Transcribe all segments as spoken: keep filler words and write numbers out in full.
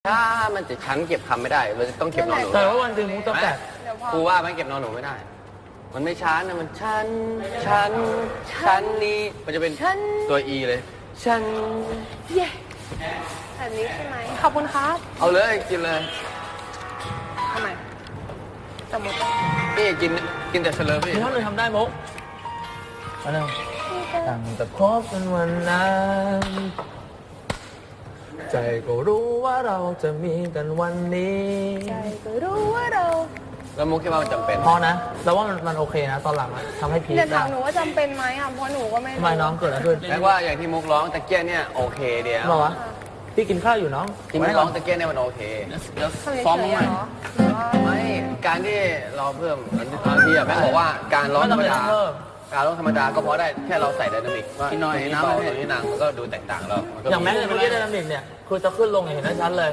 ถ้ามันจะชั้นเก็บคำไม่ได้เราจะต้องเก็บนอนหนูแต่ว่าวันหนึ่งมุกต้องแตกเดี๋ยวพอครูว่ามันเก็บนอนหนูไม่ได้ มันไม่ชั้นนะมันชั้นชั้นชั้นนี้มันจะเป็นชั้นตัว E เลยชั้นเย้แบบนี้ใช่ไหมขอบคุณครับเอาเลยกินเลยทำไมสมมตินี่กินกินแต่เฉลยพี่มีท่อนหนึ่งทำได้มุกมาหนึ่งตั้งแต่พบกันวันนั้นใจก็รู้ว่าเราจะมีกันวันนี้ใจก็รู้ว่าเราแล้วมุกคิดว่ามันจำเป็นพอนะแต่ว่ามันมันโอเคนะ ตอนหลังอะทำให้พีคเดี๋ยวได้ถามหนูว่าจำเป็นไหมอ่ะเพราะหนูก็ไม่ทำไมน้องเกิดอะไรขึ้นแม้ว่าอย่างที่มุกร้องตะเกียเนี่ยโอเคเดียวบอกว่าพี่กินข้าวอยู่น้องที่มุกร้องตะเกียเนี่ยมันโอเคแล้วทำเฉยซ้อมๆมาเหใหม่รอหรือว่าไม่การที่เราเพิ่มบางทีอะแม่งบอกว่าการร้องธรรมดาไม่ต้องเพิ่มการร้องธรรมดาก็เพราะได้แค่เราใส่ไดนามิกว่าตรงนี้เบาตรงนี้หนังมันก็ดูแตกต่างแล้วนก็อย่างแม็กซ์เมื่อกี้ไดนามิกเนี่ยคือจะขึ้นลงอย่างเห็นได้ชัดเลย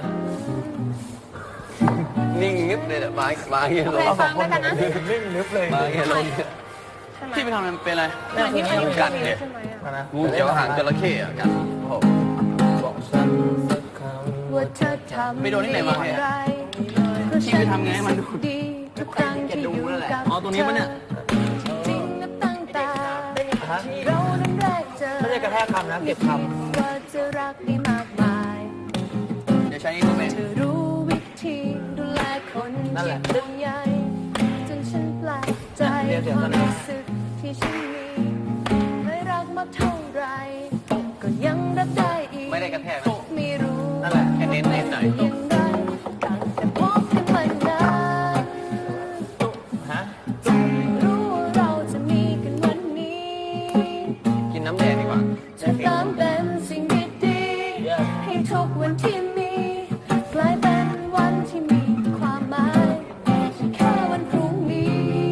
นิ่งงึบเลยอะมามาอย่างเงี้ยลงเคยฟังด้วยกันนะนิ่งนึบเลยมาอย่างเงี้ยลงใช่ไหมที่ไปทำมันเป็นอะไรเหมือนที่มันอยู่กักัดนเนี่ยใช่ไหมอ่ะนะงูเขียวหางจระเข้อะกันโอ้โหบอกฉันสักคำว่าเธอทำไปโดนที่ไหนมาเนี่ยไรที่ไปทำไงให้มันดูดีทุกครั้งที่อยู่กับอ๋อตรงนี้ปะเนี่ยจริงๆนับตั้งแต่ที่เรานั้นแรกเจอไม่ได้กระแทกคำนะเก็บคว่าจะรักได้มากมายเดี๋ยวใช้นี่ก็เป็นเธอรู้วิธีดูแลคนที่เป็นใหญ่จนฉันแปลกใจความรู้สึกที่ฉันมีไม่รักมากเท่าไรก็ยังรับได้อีกไม่ได้กระแทกนะไม่รู้นั่นแหละแค่เน้นๆหน่อยยังไงตั้งแต่พบกันมานานำฮะรู้ว่าเราจะมีกันวันนี้กินน้ำแดงดีกว่าจะเติมเต็มสิ่งดีๆให้ทุกวันที่มีกลายเป็นวันที่มีความหมายไม่ใช่แค่วันพรุ่งนี้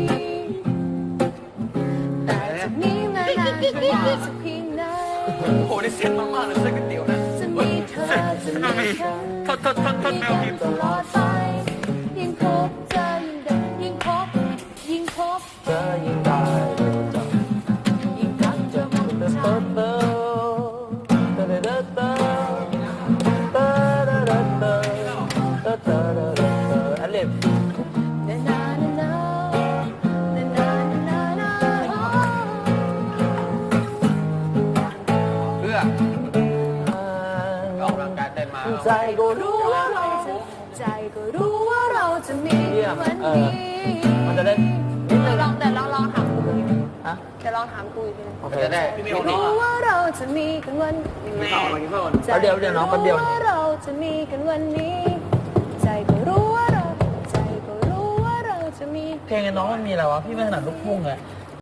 แต่จากนี้มานานจะนานสักเพียงไหนโอ้โหได้เซ็ตมากๆเลยเส้นก๋วยเตี๋ยวนะจะมีเธอจะมีฉันทดทดทดทดมีแมวกัพินมพ์ตลอดไปยิ่งพบเจอยิ่งเดินยิ่งพบยิ่งพบเธอยิ่งได้เร็วจังยิ่งรักเธอมากเติฉันร์เติร์เติร์เติร์เติร์เติร์เติร์เติร์เติร์เติร์เติร์เติร์เติร์อันเล็บนานานานานานานานาเพื่อออกกำลังกายเต้นมาใจก็รู้รู้ว่าว่าเราเราจะใจก็รู้ว่าเราจะมีวันนี้มันจะได้นิดนึงลองแต่ลองลองถามกูอีกทีฮะเดี๋ยวลองถามกูอีกทีนึงโอเคมันจะได้รู้ว่าเราจะมีกันวันนี้แล้วเดี๋ยวเดี๋ยวน้องคนเดียวใจก็รู้ว่าเราจะมีกันวันนี้ ใจก็รู้ว่าเราใจก็รู้ว่าเราจะมีเพลงไอ้น้องมันมีอะไรวะ พี่ไม่ถนัดลูกทุ่งไง